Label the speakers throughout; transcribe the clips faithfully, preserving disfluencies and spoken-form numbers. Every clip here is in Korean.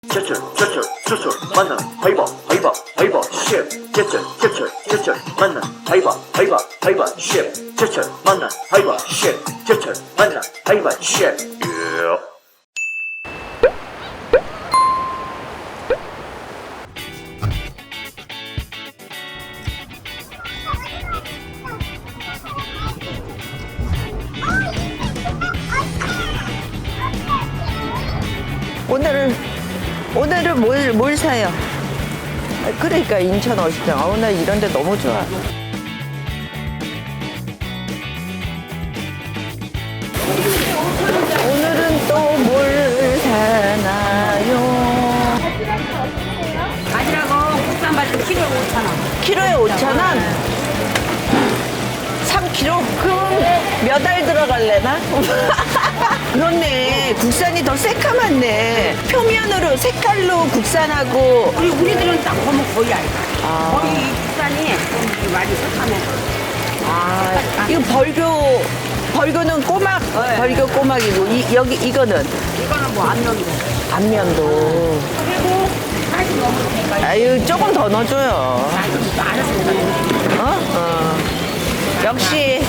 Speaker 1: 제철 제철 제철 만남 하이바 하이바 하이바 셰프 제철 제철 제철 만남 하이바 하이바 하이바 셰프 제철 만남 하이바 셰프 제철 만남 하이바 셰프 예.
Speaker 2: 오늘은 오늘은 뭘, 뭘 사요? 그러니까 인천 어시장. 아, 오늘 이런 데 너무 좋아. 오늘은 또 뭘 사나요?
Speaker 3: 바지락은 국산 바지락 키로에 오천 원.
Speaker 2: 키로에 오천 원? 삼 킬로그램? 그럼 몇 알 들어갈래나? 그렇네. 국산이 더 새카맣네. 표면으로 색깔로 국산하고.
Speaker 3: 우리 우리들은 딱 보면 거의 알까.
Speaker 2: 아.
Speaker 3: 거의 이 국산이 좀 많이 색하면.
Speaker 2: 아, 이거 벌교, 벌교는 꼬막,
Speaker 3: 네.
Speaker 2: 벌교 꼬막이고, 이, 여기, 이거는
Speaker 3: 이거는 뭐 안면도.
Speaker 2: 안면도.
Speaker 3: 그리고 사이즈 너무 되니까
Speaker 2: 아유, 조금 더 넣어줘요.
Speaker 3: 사이즈 알았으니까.
Speaker 2: 어? 어. 역시.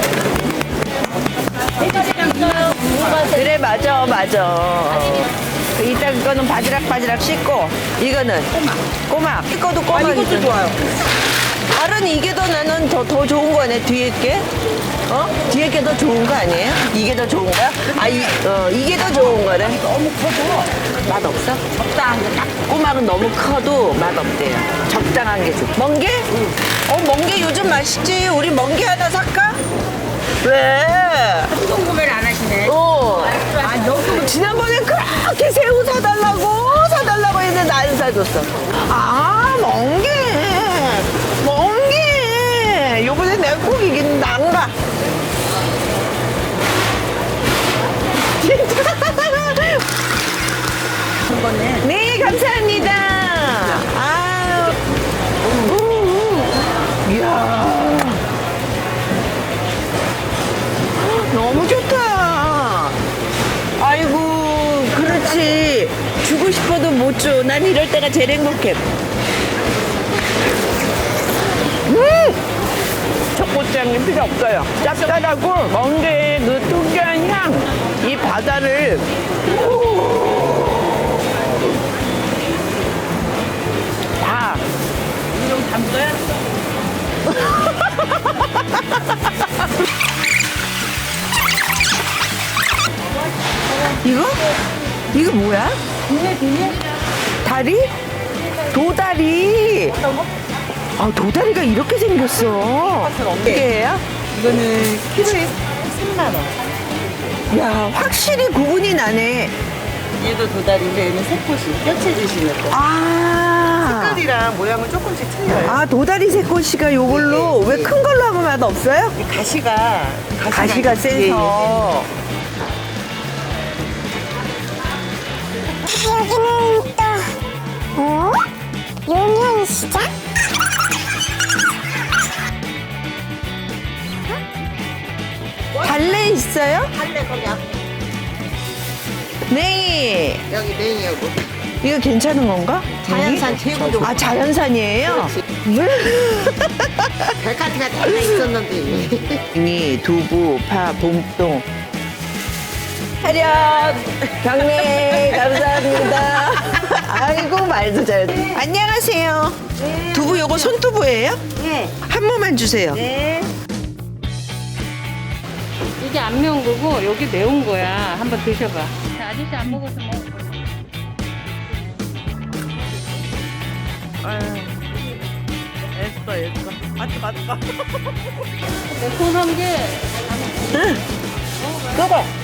Speaker 2: 그래, 맞아, 맞아. 그 이따 그거는 바지락 바지락 씻고, 이거는 꼬막. 꼬막. 이거도
Speaker 3: 아,
Speaker 2: 꼬막이죠.
Speaker 3: 이것도 좋아요.
Speaker 2: 알은 이게 더 나는 더, 더 좋은 거네, 뒤에 게. 어? 뒤에 게 더 좋은 거 아니에요? 이게 더 좋은 거야? 아, 이, 어, 이게 더 좋은 거래.
Speaker 3: 너무 커도
Speaker 2: 맛 없어?
Speaker 3: 적당한 게 딱.
Speaker 2: 꼬막은 너무 커도 맛 없대요. 적당한 게 좋. 멍게? 응. 어, 멍게 요즘 맛있지. 우리 멍게 하나 살까? 왜?
Speaker 3: 수동 구매를 안 하시네.
Speaker 2: 어.
Speaker 3: 아, 여기
Speaker 2: 지난번에 그렇게 새우 사달라고 사달라고 했는데 안 사줬어. 아, 멍게. 멍게. 요번에 내가 꼭 이긴다. 안 가. 진짜.
Speaker 3: 거네.
Speaker 2: 네, 감사합니다. 아유. 우, 우. 이야. 너무 좋다. 아이고, 그렇지. 주고 싶어도 못 줘. 난 이럴 때가 제일 행복해. 음! 초고추장이 필요 없어요. 짭짤하고 멍게의 그 특유한 향. 이 바다를. 다.
Speaker 3: 좀 담궈요?
Speaker 2: 이거? 이거 뭐야? 다리? 도다리. 아, 도다리가 이렇게 생겼어. 이게요?
Speaker 3: 이거는 키로에 삼만 원.
Speaker 2: 야, 확실히 구분이 나네.
Speaker 3: 얘도 도다리인데 얘는 새꽃이 뼈채 주시는 거.
Speaker 2: 아.
Speaker 3: 색깔이랑 모양은 조금씩 틀려요.
Speaker 2: 아, 도다리 새꼬시가 요걸로
Speaker 3: 네, 네,
Speaker 2: 왜
Speaker 3: 네.
Speaker 2: 큰 걸로 하면 맛 없어요?
Speaker 3: 이 가시가
Speaker 2: 가시가
Speaker 3: 예, 예,
Speaker 2: 세서.
Speaker 4: 여기는 또 어? 용현시장?
Speaker 2: 달래 있어요?
Speaker 3: 할래 거기 앞
Speaker 2: 네.
Speaker 3: 여기 냉이하고
Speaker 2: 이거 괜찮은 건가?
Speaker 3: 자연산
Speaker 2: 여기?
Speaker 3: 제구 좀.
Speaker 2: 아, 자연산이에요?
Speaker 3: 백화티가 다 있었는데
Speaker 2: 이 두부, 파, 봄동. 차렷, 경례, 감사합니다. 아이고, 말도 잘. 안녕하세요. 두부 요거 손두부예요?
Speaker 3: 네.
Speaker 2: 한 모만 주세요.
Speaker 3: 네.
Speaker 5: 이게 안 매운 거고 여기 매운 거야. 한번 드셔봐. 자, 아저씨 안 먹어서 먹어.
Speaker 2: 애써, 애써. 맞다, 맞다.
Speaker 5: 매콤한 게
Speaker 2: 응. 그거.